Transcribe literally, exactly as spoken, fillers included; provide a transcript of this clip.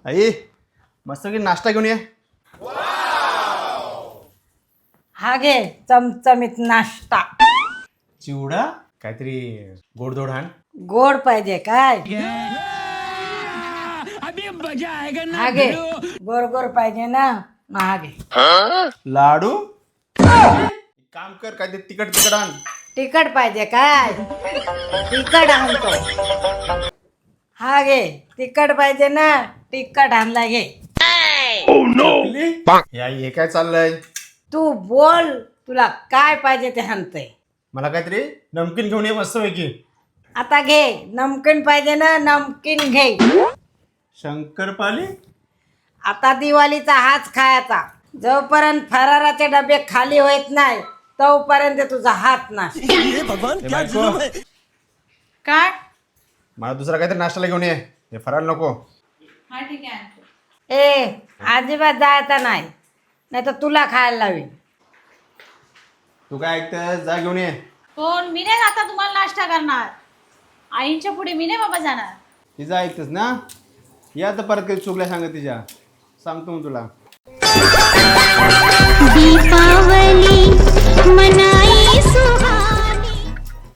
आई मस्त की नाश्ता घेऊन ये. हा घे चमचमीत नाश्ता. चिवडा काहीतरी गोडधोड आण. गोड पाहिजे काय? हा घे गोड गोड पाहिजे ना, मग हा घे. लाडू एक काम कर काहीतरी तिकट तिकट आण. तिखट पाहिजे काय? तिखट आणतो. हा घे तिखट पाहिजे ना, तिखट आणला घे. चकली? या हे काय चाललंय? तू बोल तुला काय पाहिजे ते आणतंय. मला काहीतरी नमकीन घेऊन ये मस्त पैकी. आता घे नमकीन पाहिजे ना, नमकीन घे. शंकरपाली आता दिवाळीचा हाच खायचा. जोपर्यंत फराराचे डबे खाली होत नाही तोपर्यंत तुझा हात नाही. ए बायको, काय? मला दुसरा काहीतरी नाश्त्याला घेऊन ये. हे फराळ नको. हा ठीक आहे. ए अजिबात जायचा नाही, नाही तर तुला खायला लावीन. तू काय ऐकतेस? जा घेऊन ये. कोण? मी नाही आता तुम्हाला नाश्ता करणार. आईंच्या पुढे मी नाही बाबा जाणार. तिचं ऐकतेस ना? या तर परत काही चुकल्या सांगत तिच्या सांगतो मग तुला.